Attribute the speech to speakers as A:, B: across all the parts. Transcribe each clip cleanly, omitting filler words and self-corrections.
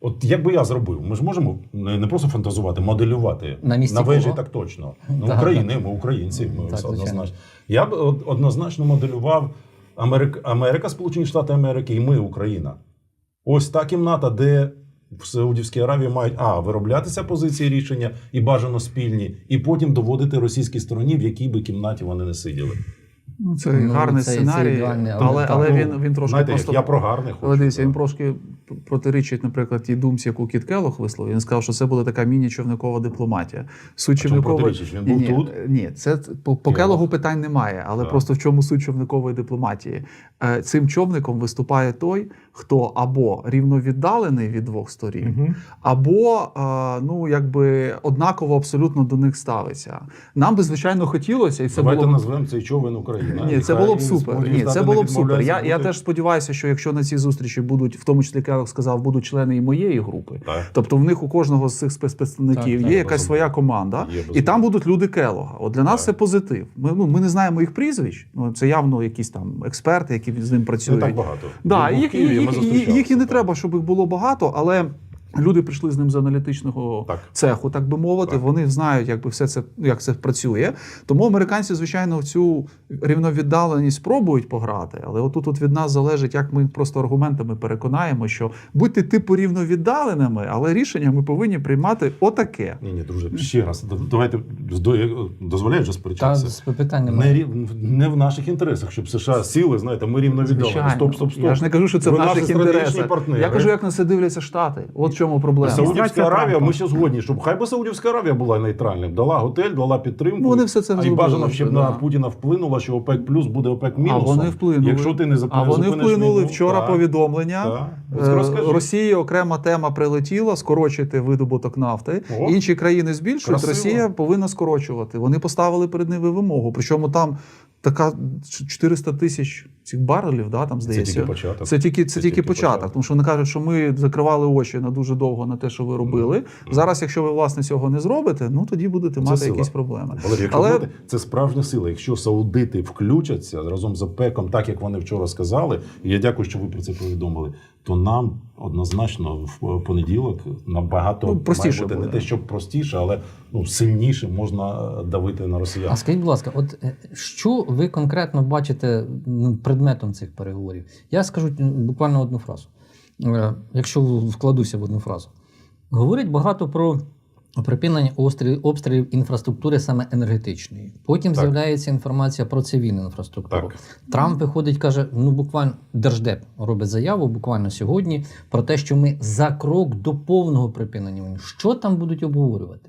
A: От як би я зробив? Ми ж можемо не просто фантазувати, моделювати.
B: На
A: вежі
B: кого?
A: так точно. Ну, України, ми українці, ми все однозначно. Я б однозначно моделював Америка, Сполучені Штати Америки і ми, Україна. Ось та кімната, де в Саудівській Аравії мають вироблятися позиції рішення і бажано спільні, і потім доводити російській стороні, в якій би кімнаті вони не сиділи.
C: Ну, це гарний сценарій, але він трошки
A: знаєте,
C: просто...
A: я про гарне хочу.
C: Але дивіться, він трошки протирічить, наприклад, тій думці, яку Кіт Келлог висловив. Він сказав, що це буде така міні-човникова дипломатія. Суть човникової...
A: Він був тут?
C: Ні, це по Келлогу питань немає, але просто в чому суть човникової дипломатії? Цим човником виступає той, хто або рівновіддалений від двох сторін, або однаково абсолютно до них ставиться. Нам би, звичайно, хотілося, і це
A: Давайте назвемо цей човен Україна.
C: Ні, це було б супер. Ні, це було б супер. Я теж сподіваюся, що якщо на цій зустрічі будуть, в тому числі Келлог сказав, будуть члени і моєї групи. Тобто в них у кожного з цих спецпредставників є якась своя команда, і там будуть люди Келлога. От для нас це позитив. Ми не знаємо їх прізвищ, це явно якісь там експерти, які з ним працюють.
A: Не так багато.
C: Да, їх і не треба, щоб їх було багато, але люди прийшли з ним з аналітичного цеху, так би мовити. Вони знають, як це працює. Тому американці, звичайно, в цю рівновіддаленість спробують пограти. Але отут від нас залежить, як ми просто аргументами переконаємо, що будьте типу рівновіддаленими, але рішення ми повинні приймати отаке.
A: Ні, друже, ще раз. Давайте, дозволяєш вже сперечатися?
B: Та, питань немає.
A: Не в наших інтересах, щоб США сіли, знаєте, ми рівновіддалені. Стоп.
C: Я ж не кажу, що це в наших інтересах. Я кажу, як на це дивляться Штати. От в чому проблема.
A: Саудівська Аравія, ми ще згодні, щоб хай би Саудівська Аравія була нейтральним. Дала готель, дала підтримку.
C: Вони все це
A: і бажано, щоб на Путіна вплинуло, що ОПЕК плюс буде ОПЕК мінусом.
C: А вони вплинули.
A: Якщо ти не
C: вони вплинули вчора повідомлення. Росії окрема тема прилетіла, скорочити видобуток нафти. Інші країни збільшують, Росія повинна скорочувати. Вони поставили перед ними вимогу. Причому там така 400 тисяч цих барелів, там здається. Це тільки початок. Тому що вони кажуть, що ми закривали очі на дуже довго на те, що ви робили. Зараз, якщо ви, власне, цього не зробите, тоді будете мати якісь проблеми.
A: Але це справжня сила. Якщо саудити включаться разом з ОПЕКом, так, як вони вчора сказали, і я дякую, що ви про це повідомили, то нам однозначно в понеділок набагато
C: простіше
A: має бути
C: буде.
A: Не те, що простіше, але сильніше можна давити на росіян.
B: А скажіть, будь ласка, от що ви конкретно бачите предметом цих переговорів? Я скажу буквально одну фразу. Якщо вкладуся в одну фразу. Говорять багато про припинення обстрілів інфраструктури саме енергетичної. Потім з'являється інформація про цивільну інфраструктуру. Трамп виходить, каже, буквально Держдеп робить заяву буквально сьогодні про те, що ми за крок до повного припинення війни. Що там будуть обговорювати?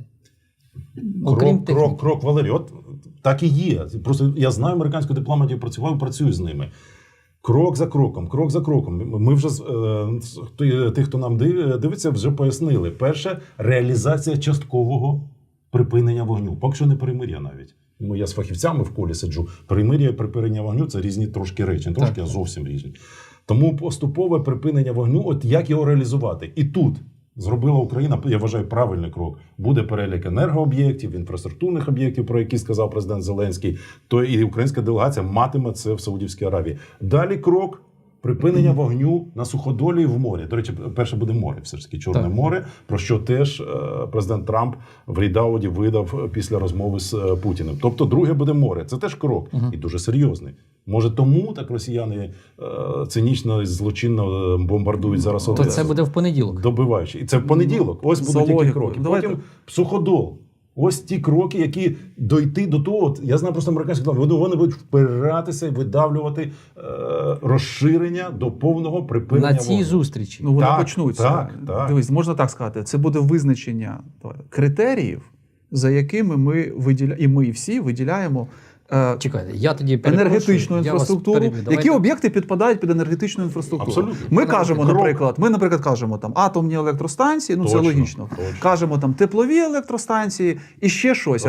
A: Крок, Валерій, от так і є. Просто я знаю американську дипломатію, працюю з ними. Крок за кроком. Ми вже, тих, хто нам дивиться, вже пояснили. Перше, реалізація часткового припинення вогню. Поки що не перемир'я навіть. Я з фахівцями в колі сиджу. Перемир'я і припинення вогню – це різні трошки речі. Не трошки, а зовсім різні. Тому поступове припинення вогню, от як його реалізувати? І тут зробила Україна, я вважаю, правильний крок. Буде перелік енергооб'єктів, інфраструктурних об'єктів, про які сказав президент Зеленський, то і українська делегація матиме це в Саудівській Аравії. Далі крок – припинення вогню на суходолі і в морі. До речі, перше буде море, все ж таки Чорне море, про що теж президент Трамп в Рідауді видав після розмови з Путіним. Тобто друге буде море. Це теж крок. І дуже серйозний. Може тому так росіяни цинічно і злочинно бомбардують зараз
B: То це буде в понеділок.
A: Добиваючи. І це в понеділок. Ось будуть які кроки. Потім суходол. Ось ті кроки, які дойти до того. Я знаю просто американських дипломатів, вони будуть впиратися і видавлювати розширення до повного припинення
B: на цій зустрічі.
C: Вони почнуться. Так. Дивись, можна так сказати. Це буде визначення критеріїв, за якими ми всі виділяємо
B: Чекайте, я тоді
C: енергетичну інфраструктуру. Які об'єкти підпадають під енергетичну інфраструктуру?
A: Абсолютно.
C: Ми кажемо, наприклад, кажемо там атомні електростанції, це логічно. Кажемо там теплові електростанції і ще щось.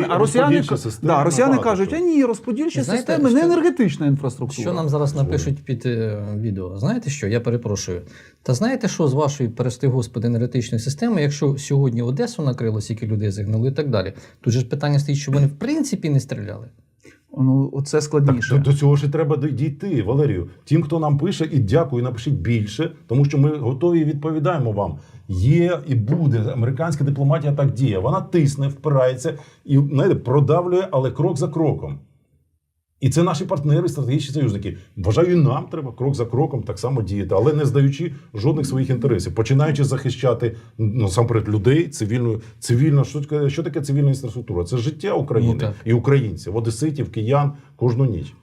C: Росіяни кажуть, ні, розподільчі системи, не енергетична інфраструктура.
B: Що нам зараз напишуть під відео? Знаєте що? Я перепрошую. Та знаєте що з вашої, прости господи, енергетичної системи, якщо сьогодні Одесу накрило, скільки людей загинули і так далі. Тут же ж питання стоїть, що вони в принципі не стріляли.
C: Ну, оце складніше.
A: Так, до цього ж і треба дійти, Валерію. Тим, хто нам пише, і дякую, напишіть більше, тому що ми готові і відповідаємо вам. Є і буде. Американська дипломатія так діє. Вона тисне, впирається і, знаєте, продавлює, але крок за кроком. І це наші партнери, стратегічні союзники. Вважаю, і нам треба крок за кроком так само діяти, але не здаючи жодних своїх інтересів. Починаючи захищати, насамперед, людей, цивільно, що таке цивільна інфраструктура? Це життя України і українців, одеситів, киян кожну ніч.